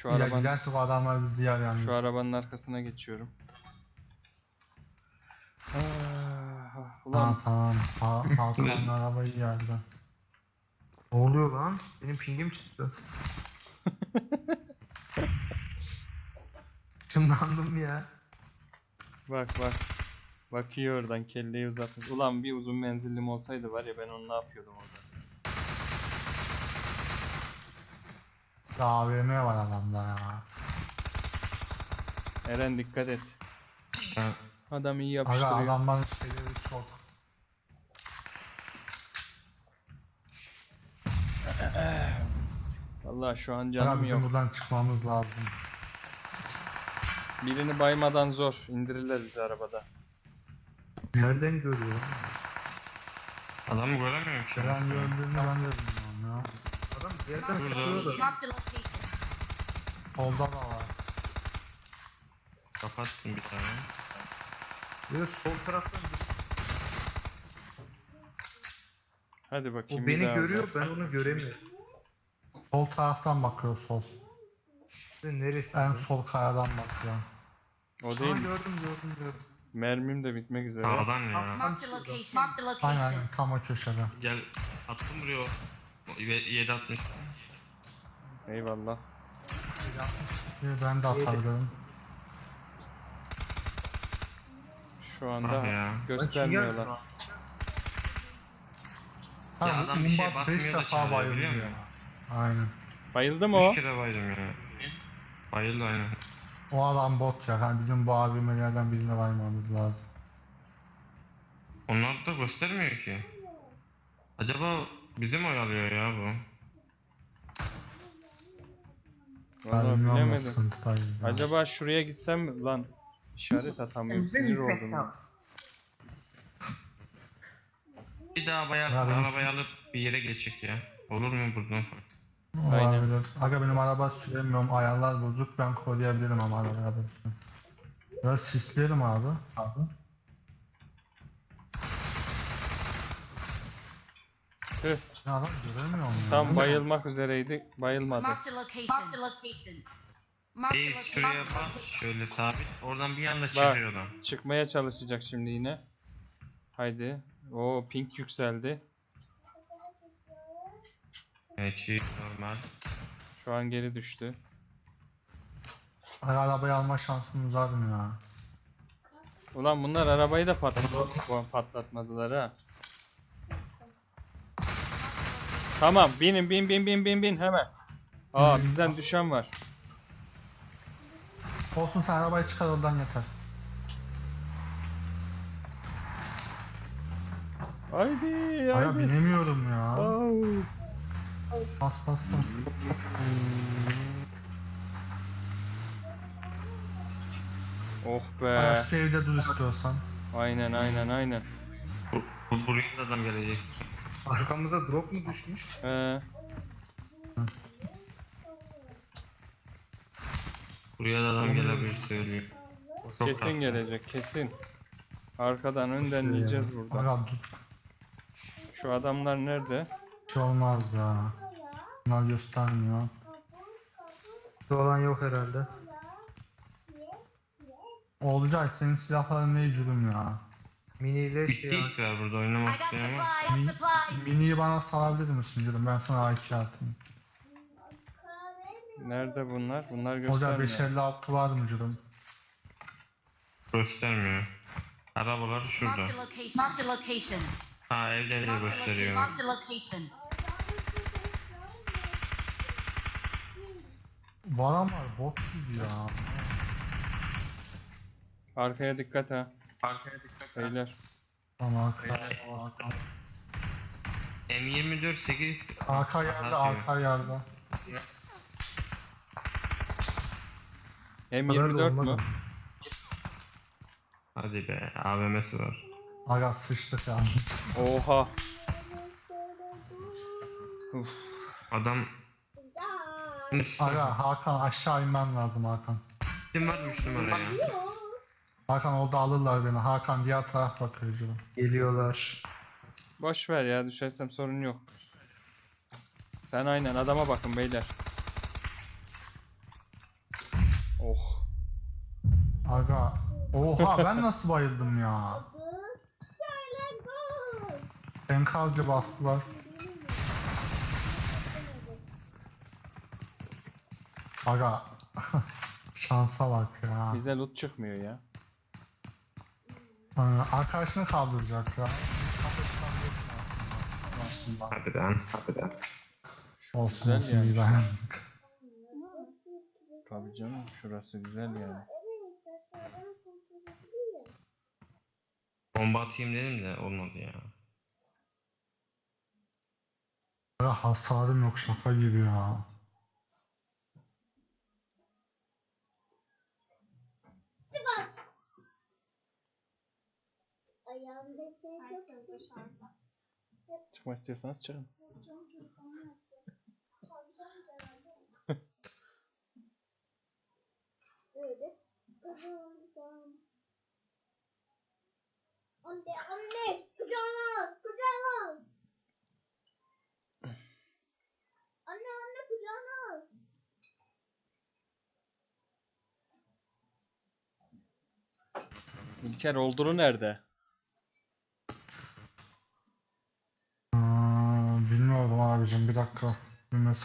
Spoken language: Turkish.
Şu Ya arabanın, giderse bu adamlar bizi yer yalnız. şu arabanın arkasına geçiyorum. Ulan Tamam. Hakan'ın arabayı yerdi. Ne oluyor lan? Benim pingim çıktı. Çınlandım ya. bak bak. Bakıyor oradan, kelleyi uzatmış. Ulan bir uzun menzillim olsaydı var ya, ben onu ne yapıyordum orada. AVM var adamda ya. Eren dikkat et. Adam iyi Aga yapıştırıyor. adamların şeyleri çok. Vallahi şu an Aga canım bizim yok. buradan çıkmamız lazım. Birini baymadan zor. İndirirler bizi arabada. Nereden görüyor lan? Adamı göremiyorum ki. Ben gördüğümü ben de bilmiyorum ya. Adam bir yerden Burada. sıkıyor da. Marked a location. Solda da var. Kapattım bir tane. Böyle sol taraftan Hadi bakayım. o bir beni daha görüyor, uzat. ben onu göremiyorum. Sol taraftan bakıyor sol. Sen neresi? En sol kayadan bakıyor. O değil. Gördüm. Mermim de bitmek üzere. Sağdan ya. Marked a location. Marked a location. Aynen tam o köşede. Gel. Attım buraya o. 760. Eyvallah. Ben de atabilirim. Şu anda Ah ya. göstermiyorlar. Ha, Ya adam bir şey Umbat 5 basmıyor da defa çağırıyor, bayıldı biliyor ya. musun? Aynen. Bayıldı mı o? 3 kere baydım ya. Bayıldı aynen. O adam bot ya. Yani bizim bu AVM'lerden birine varmamız lazım. Onlar da göstermiyor ki. Acaba bizi mi oyalıyor ya bu? Ben Vallahi bilmiyorum ne bilemedim. sıkıntıdayız ya. Acaba şuraya gitsem mi? Lan işaret atamıyorum. Sinir oldum ya. Bir daha bayarsın, Ya benim- arabayı alıp bir yere geçecek ya. Olur mu buradan farklı? Aynen. Olabilir. Aga benim araba süremiyorum. Ayarlar bozuk. Ben koruyabilirim ama arabaya basın. Biraz sisleyelim abi. Tüh, Ya adam göremiyorum ya. tam bayılmak üzereydi. Bayılmadı. Marked a location. Marked a location. Marked a Değil, location. şuraya bak, şöyle sabit. Oradan bir anda çıkıyor adam. Çıkmaya çalışacak şimdi yine. Haydi. O pink yükseldi. Peki, normal. Şu an geri düştü. Aga arabayı alma şansımız var mı ya? Ulan bunlar arabayı da patlatmadılar ha. Tamam, bin hemen. Aa, bizden düşen var. Olsun sen arabayı çıkar oradan yeter. Haydi Aga haydi. binemiyorum ya. Au. Bas. Oh Aga be. şu evde dur istiyorsan. Aynen. Buraya da adam gelecek. Arkamıza drop mu düşmüş? Buraya da adam gelebilir söylüyor. O çok Kesin haklı. gelecek, kesin. Arkadan önden yiyeceğiz burada. Aga dur. Şu adamlar nerede? Bir şey olmaz ya. Bunlar göstermiyor. Şu olan yok herhalde. Olcay senin silahların ne cürüm ya. Mini ile Bitti şey işte var burada I oynamak got isteyen var. supplies. Supplies. Mini'yi bana salabilir misin cürüm? Ben sana AK atayım. Nerede bunlar? Bunlar Olcay göstermiyor. 556 var mı cürüm? Göstermiyor. Arabalar şurada. Marked a location. Marked a location. Ha evleri de Marked a location. gösteriyor. Marked a location. Bu adam var bot gibi ya. Arkaya dikkat ha. Beyler. Tamam M24 8 arka yerde arka yerde. M24 olmaz mu? ama. Hadi be AVM'si var. Aga sıçtık ya. Oha. Adam Aga Hakan aşağı inmen lazım Hakan. kim varmış numaraya? Hakan orada alırlar beni. Hakan diğer taraf bakıyor cürüm. Geliyorlar. Boş ver ya, düşersem sorun yok. Sen aynen adama bakın beyler. Oh. Aga. Oha ben nasıl bayıldım ya. Enkazcı bastılar. Aga. Şansa bak ya. Bize loot çıkmıyor ya. Arkadaşını kaldıracak ya. Aslında. Harbiden, harbiden. Olsun Güzel olsun yani iyi şu- dayandık. Tabii canım şurası güzel yani. Bomba atayım dedim de olmadı ya. Aga hasarım yok şaka gibi ya. Ayağımda seni çok dışarıda. Çıkmak istiyorsanız çıkın. Canım çocuklarına yaptı. Çalacağım herhalde. Öyle. Kızım. Anne, kucağına al, kucağına al. Anne, kucağına al. İlker Oldur'u nerede? Bilmiyorum abicim bir dakika. Bir